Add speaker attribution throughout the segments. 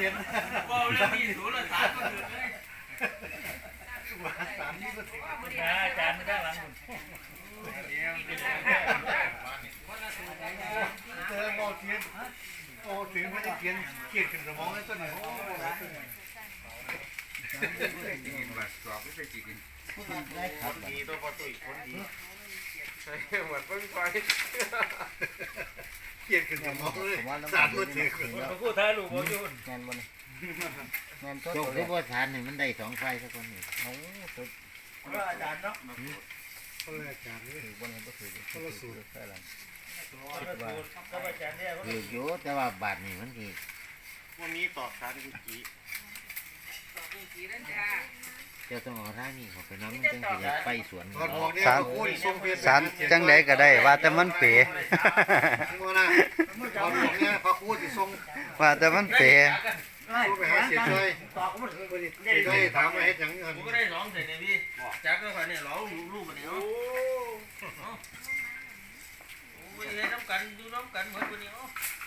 Speaker 1: ห็นบ่แล้วมีศูนย์ละสามก็ถือเลยสามนี่ก็ถืออาจารย์ไม่ได้หลังเจอโมเทียนโอ้ถึงไม่ได้เทียนเกียดขึ้นสมองแล้วตัวไหนโอ้กินแบบสอบไม่ใช่กินคนดีตัวพอตุยคนดีใช่เหมือนเพิ่งไปเกียดขึ้นสมองเลยสามตัวถือขึ้นมาพูดท้ายลูกบอลยุ่นงานบอลงานโจกที่ว่าฐานหนึ่งมันได้สองไฟสักคนหนึ่งโอ้สุดอาจารย์เนาะอาจารย์นี่ถือบอลก็ถือก็สูดแค่นั้นคิดว่าถือเยอะแต่ว่าบาทนี่มันถือวันนี้ตอบฐานกุจิจะต้องเอาร่างนี่เขาไปน้ำจังสิไปสวน
Speaker 2: สารจังใดก็ได้ว่าแต่มันเป๋ว่าแต่มันเป๋
Speaker 1: ไปหาเสียช่วยได้ถามมาให้จังผมก็ได้ร้องเสร็จเลยพี่จักก็ค่ะเนี่ยร้องลูกกันเนี่ยโอ้ยน้ำกันดูน้ำกันเหมือนคนนี้อ๋อ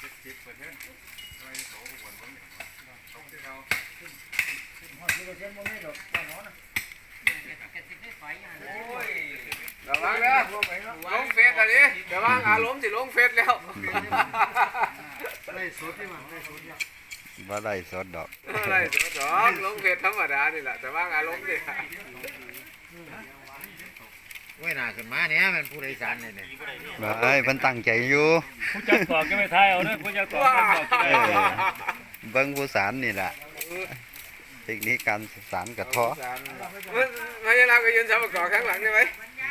Speaker 3: ระวังนะลงเฟซอันนี้ระวังอารมณ์สิลงเฟซแล้ว
Speaker 1: ได้สดที่มันได้สดเนี่ย
Speaker 2: บ่ได้สดดอก
Speaker 3: ได้สดดอกลงเฟซธรรมดานี่แหละแต่ว่าอารมณ์ดิ
Speaker 1: เว้ยหน้าขึ้นมาเนี่ยมันผู้โดยสารเนี่ย
Speaker 2: เฮ้ยมันตั้งใจอยู่
Speaker 1: ผู้จัดต่อก็ไม่ทายเอานะผู้จัดต่อก็บอก
Speaker 2: เบิ้งผู้สารนี่แหละเทคนิคการสารกระท้อ
Speaker 3: ไม่ใช่เราก็ยืนจับกอข้างหลังได้ไหม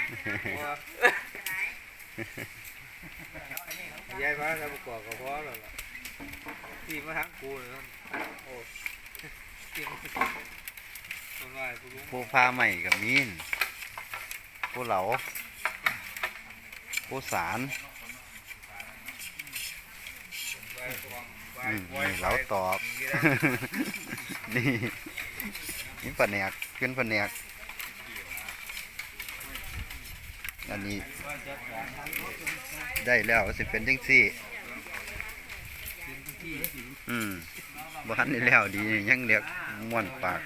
Speaker 3: ยายมาจับกอกับพ่อแล้วล่ะตีมาทั้งกูเลยโอ้
Speaker 2: ผู้พาใหม่กับมีนผู้เหลาผู้สารนี่เหลาตอบนี่นี่ปะแนกขึ้นปะแนกอันนี้ได้แล้วสิเป็นจังซี่บ้านนี่แล้วดียังเรียกม่วนปาก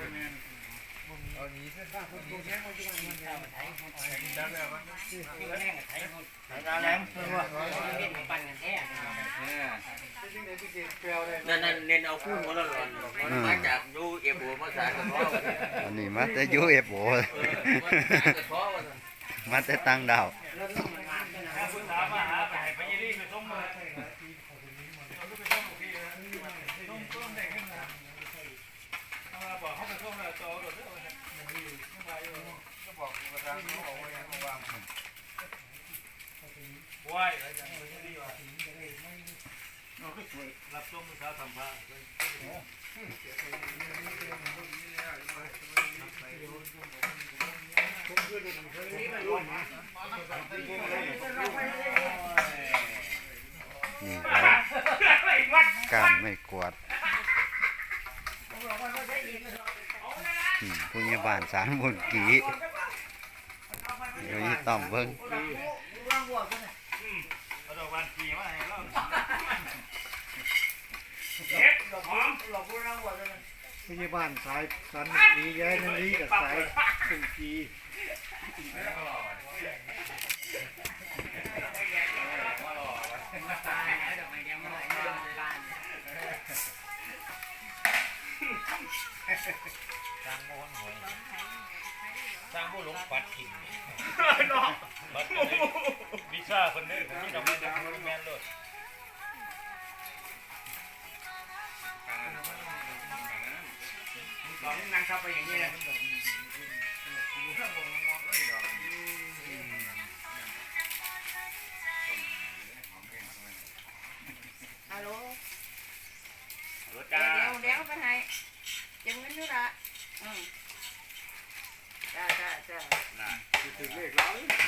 Speaker 1: นั่นเน้นเอาคู่หัวร้อนมาจากยูเอฟโอมาสารกระท้อ
Speaker 2: อันนี้มาแต่ยูเอฟโอมาแต่ตั้งดาว
Speaker 1: ว้ายรับชมมือเช้าทำผ้า
Speaker 2: นี่การไม่กวาดผู้ใหญ่บ้านสารบุญกีเดี๋ยวนี้ต้อมเบิ้ง
Speaker 1: พยาบาลสายสันนีย้ายนั่นนี่กับสายสุกีสร้างโมหหอยสร้างโมหลงปัดกินน้องวิชาคนนี้ผมที่ทำให้ได้แมนเลยนั่งเข้าไปอย่างนี้เลย
Speaker 4: ฮัลโหล
Speaker 1: เดี๋
Speaker 4: ยวไปให้เก็บเงินอยู่ละจ้า
Speaker 1: ถึงเลขแล้ว